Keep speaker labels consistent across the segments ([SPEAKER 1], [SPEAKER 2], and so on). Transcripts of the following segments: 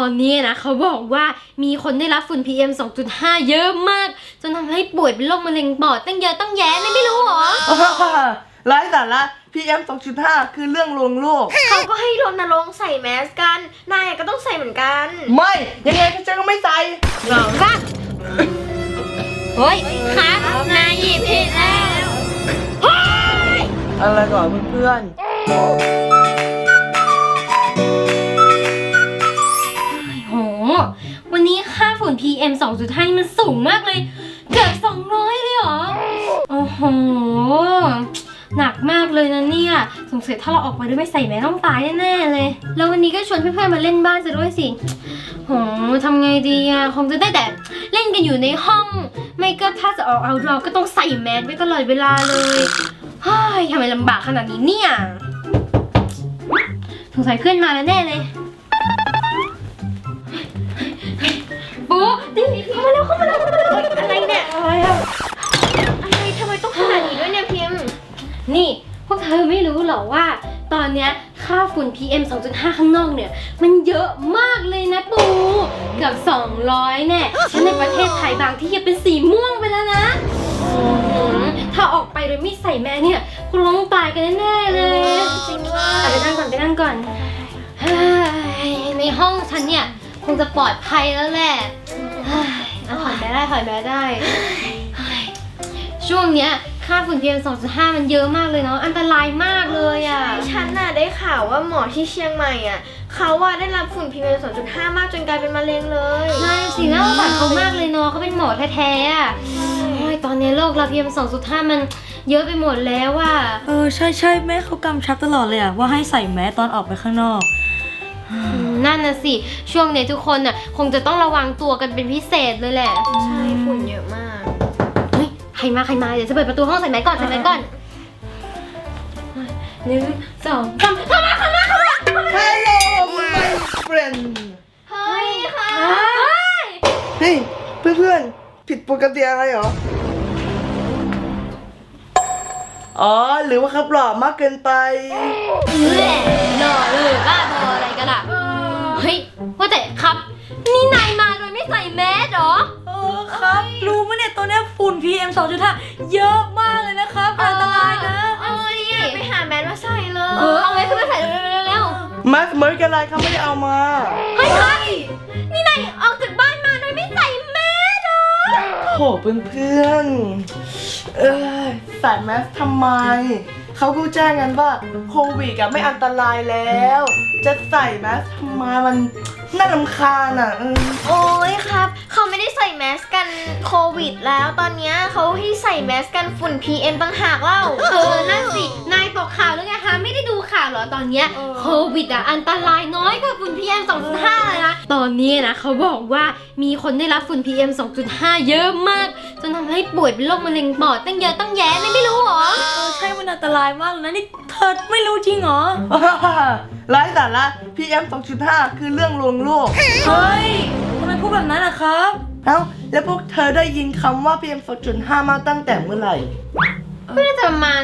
[SPEAKER 1] อนนี้นะเขาบอกว่ามีคนได้รับฝุ่น PM 2.5 เยอะมากจนทำให้ป่วยเป็นโรคมะเร็งปอดตั้งเยอะตั้งแยะไม่รู้หรอ
[SPEAKER 2] ไร้สาระ PM 2.5 คือเรื่องลวงโลก
[SPEAKER 3] เขาก็ให้รณรงค์ใส่แมสกัน นายก็ต้องใส่เหมือนกัน
[SPEAKER 2] ไม่ยังไงฉันก็ไม่ใส่
[SPEAKER 1] เฮ้ยครับนายหยิบผิดแล้ว
[SPEAKER 2] อะไรก่อนเพื่อน
[SPEAKER 1] โหวันนี้ค่าฝุ่น PM 2.5 นี่มันสูงมากเลยเกือบ200เลยเหรอโอ้โหหนักมากเลยนะเนี่ยสงสัยถ้าเราออกไปด้วยไม่ใส่แมสต้องตายแน่ๆเลยแล้ววันนี้ก็ชวนเพื่อนๆมาเล่นบ้านซะด้วยสิโหทำไงดีอะคงจะได้แต่เล่นกันอยู่ในห้องไม่ก็ถ้าจะออกเอาเราก็ต้องใส่แมสไว้ตลอดเวลาเลยเฮ้ยทำไมลำบากขนาดนี้เนี่ยสงสัยเพื่อนมาแล้วแน่เลยปูนี่เข้ามาแล้ว
[SPEAKER 3] อะไรเนี่ย
[SPEAKER 1] อะไรอะ
[SPEAKER 3] อะไรทำไมต้องขนาดนี้ด้วยเนี่ยพิมพ์
[SPEAKER 1] นี่พวกเธอไม่รู้เหรอว่าตอนเนี้ยค่าฝุ่น PM 2.5 ข้างนอกเนี่ยมันเยอะมากเลยนะปูเกือบ200แน่และในประเทศไทยบางที่ยังเป็นสีม่วงไปแล้วนะถ้าออกไปโดยไม่ใส่แมสเนี่ยคงต้องตายกันแน่ๆเลย
[SPEAKER 3] จริงว่า
[SPEAKER 1] ไปนั่งก่อนเฮ้ยในห้องฉันเนี่ยคงจะปลอดภัยแล้วแหละเฮ้ยเอาถอยแมสได้เฮ้ยช่วงเนี้ยค่าฝุ่น PM 2.5 มันเยอะมากเลยเนาะอันตรายมากเลยอ่ะ
[SPEAKER 3] ฉันน่ะได้ข่าวว่าหมอที่เชียงใหม่อ่ะเขาว่าได้รับฝุ่น PM 2.5 มากจนกลายเป็นมะเร็งเลย
[SPEAKER 1] นั่นสิน่าสงสารเขามากเลยเนาะเขาเป็นหมอแท้ๆอ่ะโอ้ยตอนนี้โลกเรา PM 2.5 มันเยอะไปหมดแล้วอ่ะ
[SPEAKER 4] ใช่แม่เขากำชับตลอดเลยอะว่าให้ใส่แมสตอนออกไปข้างนอก
[SPEAKER 1] นั่นน่ะสิช่วงนี้ทุกคนน่ะคงจะต้องระวังตัวกันเป็นพิเศษเลยแหละ
[SPEAKER 3] ใช่ฝุ่นเยอะมาก
[SPEAKER 1] เฮ้ยใครมาเดี๋ยวจะเปิดประตูห้องใส่แมสก่อน1 2 3เข้ามา
[SPEAKER 2] ๆ Hello my friend
[SPEAKER 3] เฮ้ยค่ะ
[SPEAKER 2] เฮ้ยเพื่อนๆผิดปกติอะไรเหรอ อ๋อหรือว่าครับหล่อมากเกินไป
[SPEAKER 1] แหละหล่อเลยบ้าบออะไรกันล่ะเฮ้ยว่าแต่ครับนี่นายมาโดยไม่ใส่แมสเหรอ
[SPEAKER 4] ครับรู้ไหมเนี่ยตอนนี้ฝุ่น PM 2.5 เยอะมากเลยนะครับอันตรายนะ
[SPEAKER 1] ดิ
[SPEAKER 3] ไปหาแมสมาใส่เลย
[SPEAKER 1] เอาไว้ขึ้นมาใส่เร็ว
[SPEAKER 2] มาสเมิร์กอะไรครับไม่ได้เอามา
[SPEAKER 1] เฮ้ยนี่นายออกจากบ้านมาโดยไม่ใส่แมสเหรอ
[SPEAKER 2] โหเพื่อนๆใส่แมสทำไม เขาก็แจ้งกันว่าโควิดไม่อันตรายแล้ว จะใส่แมสทำไมมันน่ารำคาญอ่ะ
[SPEAKER 3] โอ้ยครับเขาไม่ได้ใส่แมสกันโควิดแล้วตอนเนี้ยเขาให้ใส่แมสกันฝุ่น PM ต่างหากเล่า
[SPEAKER 1] นั่นสิ นายตกข่าวหรือไงคะ ไม่ได้ดูข่าวเหรอตอนเนี้ยโควิดอันตรายน้อยกว่าฝุ่น PM 2.5 เลยนะ ตอนนี้นะเขาบอกว่ามีคนได้รับฝุ่น PM 2.5 เยอะมากจนทำให้ป่วยเป็นโรคมะเร็งปอดตั้งเยอะตั้งแยะไม่รู้หรอ
[SPEAKER 4] ใช่มันอันตรายมากเลยนะนี่เธอไม่รู้จริงเหรอ
[SPEAKER 2] ไร้สาระ PM 2.5 คือเรื่องลวงโลก
[SPEAKER 4] เฮ้ยทำไมพูดแบบนั้นอะครับ
[SPEAKER 2] เอ้าแล้วพวกเธอได้ยินคำว่า PM 2.5 มาตั้งแต่เมื่อไหร่
[SPEAKER 1] ก็น่าจะประมาณ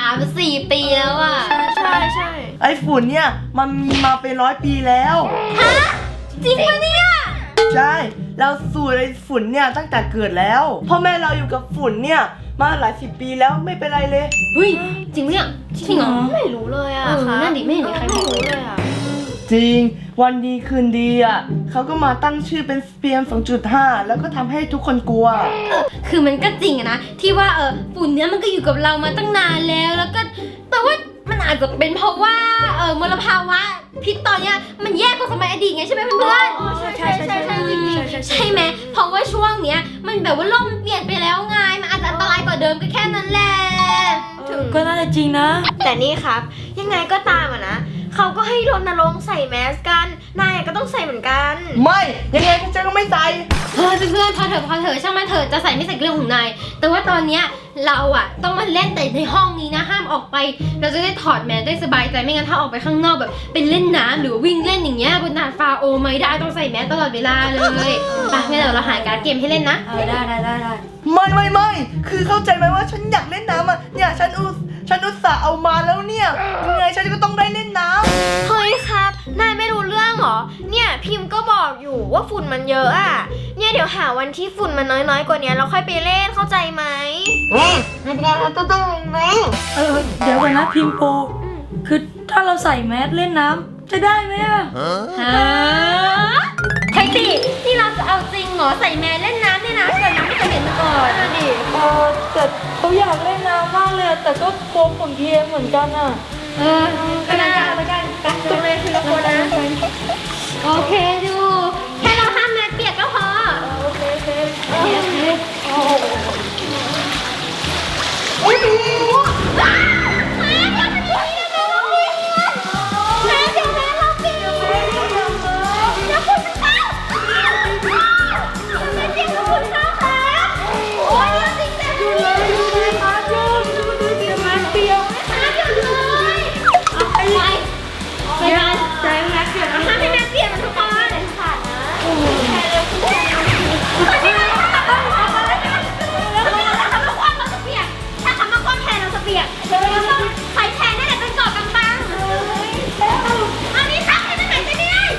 [SPEAKER 1] 3-4 ปีแล้วอะ
[SPEAKER 3] ใช่
[SPEAKER 2] ไอ้ฝุ่นเนี่ยมันมีมาเป็น100 ปีแล้ว
[SPEAKER 1] จริงปะเนี่ย
[SPEAKER 2] ใช่ เราสูดไอ้ฝุ่นเนี่ยตั้งแต่เกิดแล้วพ่อแม่เราอยู่กับฝุ่นเนี่ยมาหลาย10 ปีแล้วไม่เป็นไรเลย
[SPEAKER 1] เฮ้ย จริงปะเนี่ยจริงเหรอ
[SPEAKER 3] ไม่รู้เลยอ่ะ
[SPEAKER 1] นั่นดิไม่เห็นมีใครบอก
[SPEAKER 3] รู้เลยอ่ะ
[SPEAKER 2] จริงวันดีคืนดีอ่ะเขาก็มาตั้งชื่อเป็น PM 2.5 แล้วก็ทำให้ทุกคนกลัว
[SPEAKER 1] คือมันก็จริงอะนะที่ว่าฝุ่นเนี้ยมันก็อยู่กับเรามาตั้งนานแล้วก็แต่ว่ามันอาจจะเป็นเพราะว่ามลภาวะพิษตอนเนี้ยมันแย่กว่าสมัยอดีตไงใช่ไหมเพื่อนๆ
[SPEAKER 3] ใช่
[SPEAKER 1] ใช่ไหมเพราะว่าช่วงเนี้ยมันแบบว่าโลกมันเปลี่ยนไปแล้วไงมันอาจจะอันตรายกว่าเดิมก็แค่นั้นแหละ
[SPEAKER 4] ก็น่าจะจริงนะ
[SPEAKER 3] แต่นี่ครับ ยังไงก็ตามอ่ะนะเขาก็ให้รณรงค์ใส่แมสกัน นายก็ต้องใส่เหมือนกัน
[SPEAKER 2] ไม่ยังไงฉันก็ไม่ใส่
[SPEAKER 1] เฮ้ยเพื่อนๆพอเถอะช่างมันเถอะจะใส่ไม่ใส่เรื่องของนายแต่ว่าตอนเนี้ยเราอะต้องมาเล่นแต่ในห้องนี้นะห้ามออกไปเราจะได้ถอดแมสได้สบายใจไม่งั้นถ้าออกไปข้างนอกแบบเป็นเล่นน้ำหรือวิ่งเล่นอย่างเงี้ยบนดาดฟ้าโอไม่ได้ต้องใส่แมสตลอดเวลาเลยไปงั้นเดี๋ยวเราหาการ์ดเกมให้เล่นนะ
[SPEAKER 4] ได้
[SPEAKER 2] ไม่คือเข้าใจไหมว่าฉันอยากเล่นน้ำอ่ะเนี่ยฉันอุตส่าห์เอามาแล้วเนี่ยยังไงฉันก็ต้องได้เล่นน้ำ
[SPEAKER 3] เฮ้ยครับ นายไม่รู้เรื่องเหรเหรอเนี่ยพิมพ์ก็บอกอยู่ว่าฝุ่นมันเยอะอะเนี่ยเดี๋ยวหาวันที่ฝุ่นมันน้อยๆกว่านี้เราค่อยไปเล่นเข้าใจไหม
[SPEAKER 4] เดี๋ยวก่อนนะพิมพ์ปูคือถ้าเราใส่แมสเล่นน้ำจะได้ไหมอะ
[SPEAKER 1] ฮะใช่สินี่เราจะเอาจริงเหรอใส่แมสเล่นน้ำเนี่ยนะเกิดน้ำไม่เคยเห็นมาก่อนดิ
[SPEAKER 4] แต่เขาอยากเล่นน้ำมากเลยอะแต่ก็กลัวฝุ่น PM เหมือนกันอะ
[SPEAKER 1] ก็ได้แล้วกันไปตัวเลยคือละคนนะโอเคดูแค่เราห้ามแมสเปียกก็พอโอเคโอ้ยว้าวแม่เดี๋ยวมันมีนะแม่เดี๋ยวแม่เราเปียกแล้วคุณมันเข้าแม่เปียกแล้วคุณเข้าค่ะโอ้ยเราจริงจังเลยมาเริ่มดูสิมาเปียกมาเดี๋ยวเลยไปกันใจแม่เปียกห้ามให้แม่เปียกมันทุกคนขาดนะแค่เร็วคุณแค่ถ้าคำว่าความแทนเราจะเปียกเราต้องใช้แทนนั่นแหละเป็นเกาะกำบังอันนี้ซักให้มันหายใจไม่ได้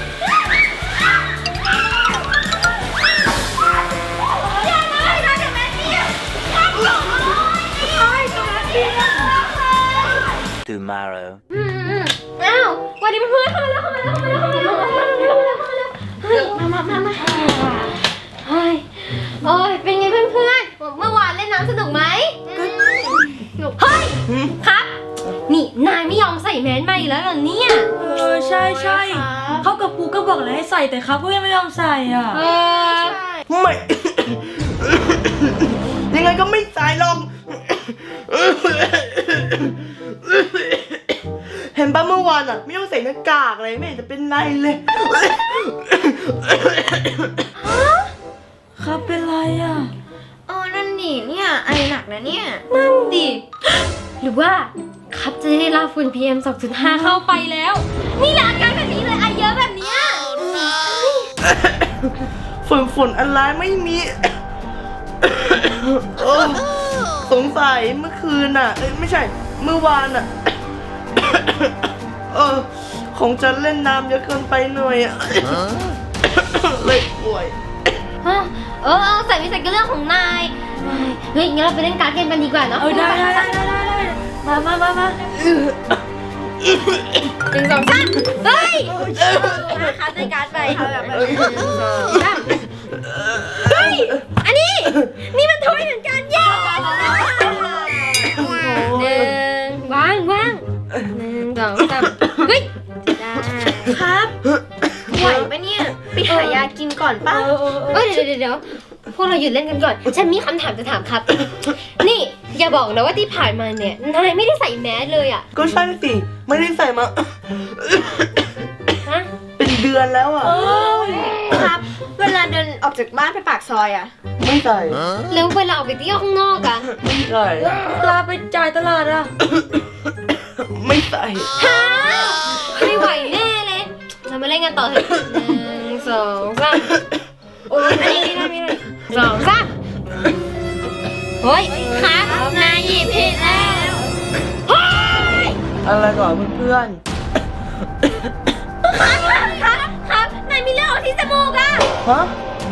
[SPEAKER 1] อย่าเลยนะเดี๋ยวแม่เปียกข้ามเกาะเลยตัวเปียก
[SPEAKER 5] tomorrow.
[SPEAKER 1] อ้าววันนี้เพื่อนเข้ามาแล้วเฮ้ยมาเฮ้ยโอ้ยเป็นไงเพื่อนเมื่อวานเล่นน้ำสนุกไหมเฮ้ยครับ นี่นายไม่ยอมใส่แมสมาอีกแล้วเหรอเนี่ย
[SPEAKER 4] ใช่เขากับปูก็บอกเลยให้ใส่แต่เขาก็ยังไม่ยอมใส่อ่ะ
[SPEAKER 2] ไม่ ยังไงก็ไม่ใส่หรอก เห็นป่ะเมื่อวานอ่ะไม่ต้องใส่หน้ากากเลยไม่เห็นจะเป็นไรเลย
[SPEAKER 4] ครับเป็นไรอ่ะ
[SPEAKER 3] นั่นดิเนี่ยไอหนักนะเนี่ย
[SPEAKER 1] นั่นดิ หรือว่าครับจะได้รับฝุ่น PM 2.5 เข้าไปแล้ว นี่แหละอาการแบบนี้เลยไอเยอะแบบเนี้ย
[SPEAKER 2] ฝุ่นอะไรไม่มี โอ้สงสัยเมื่อคืนอ่ะไม่ใช่เมื่อวานอ่ะ คงจะเล่นน้ำเยอะเกินไปหน่อยอ่ะ เลยป่วย
[SPEAKER 1] ใส่ไม่ใส่ก็เรื่องของนายเฮ้ยงั้นเราไปเล่นการ์ดเกมกันดีกว่าเนาะ
[SPEAKER 4] ได้มา
[SPEAKER 1] 1 2 3เฮ้ยนะคะในการ์ดไปเฮ้ยอันนี้นี่มันถ้วยเหมือนกันเย้วาง1 2 3เฮ้ยได้
[SPEAKER 3] ครับไหวปะเนี่ยไปหายากินก่อนป่ะ
[SPEAKER 1] เดี๋ยวพวกเราหยุดเล่นกันก่อนฉันมีคำถามจะถามครับ นี่อย่าบอกนะว่าที่ผ่านมาเนี่ยนายไม่ได้ใส่แมสเลยอ่ะ
[SPEAKER 2] ก็ใช่สิไม่ได้ใส่มา
[SPEAKER 1] ฮะ
[SPEAKER 2] เป็นเดือนแล้วอ่ะ
[SPEAKER 3] ครับ เวลาเดินออกจากบ้านไปปากซอยอะ
[SPEAKER 2] ไม่ใส่
[SPEAKER 1] แล้วเวลาออกไปเที่ยวข้างนอกอ่ะ
[SPEAKER 2] ไม่ใส่
[SPEAKER 4] ลาไปจ่ายตลาดอ่ะ
[SPEAKER 2] ไม่ใส่
[SPEAKER 1] ฮะไม่ไหวแน่เลยเรามาเล่นกันต่อเถอะ1 2 3โอ้ยอันนี้ไม่ได้2 3เฮ้ยครับนายหยิบผิดแล้วเฮ้ย
[SPEAKER 2] อะไรก่อนเพื่อน
[SPEAKER 1] ครับนายมีเลือดออกที่จมูกอ่ะ
[SPEAKER 2] ๆฮะ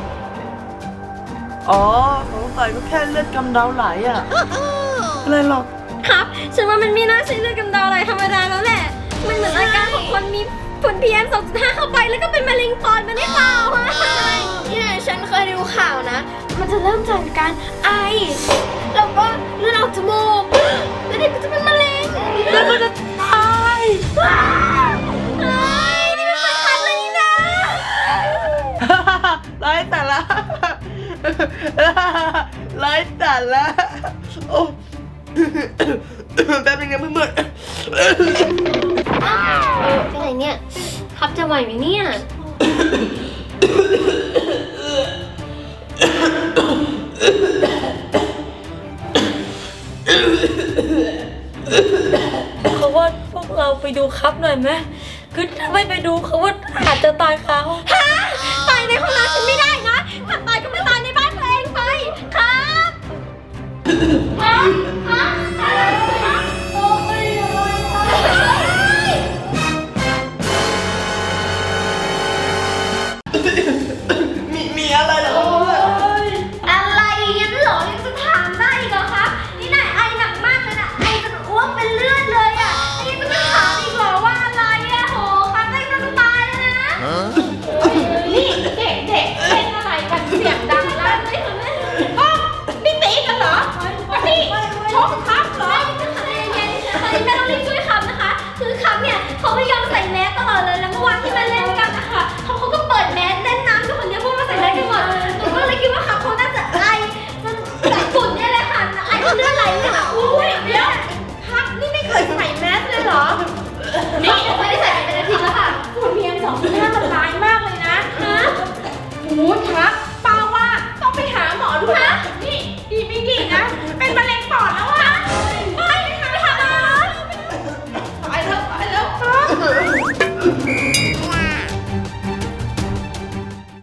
[SPEAKER 2] อ๋อสงสัยก็แค่เลือดกำเดาไหลอ่ะอะไรหรอก
[SPEAKER 1] ครับฉันว่ามันไม่น่าใช่เลือดกำเดาอะไรธรรมดาแล้วแหละมันเหมือนอาการของคนมีฝุ่น PM 2.5 เข้าไปแล้วก็เป็นมะเร็งปอดมันได้เปล่าฮะ
[SPEAKER 3] เนี่ยฉันเคยดูข่าวนะ มันจะเริ่มจากการไอ แล้วก็เลือดออกจมูก แล้วเด็กก็จะเป็นมะเร็ง
[SPEAKER 4] แล้วก็จะตาย
[SPEAKER 3] เฮ้ยนี่มันเป็นคันเลยนี่นะ
[SPEAKER 2] ไร้แต่ละ ไร้แต่ละโอ้ แป๊บนึงนะเพื่อน
[SPEAKER 1] เป็นไรเนี่ยครับจะไหวไหมเนี่ย
[SPEAKER 4] เขาว่าพวกเราไปดูครับหน่อยไหมคือถ้าไม่ไปดูเขาว่าอาจจะตายคาห้อง
[SPEAKER 1] ฮะ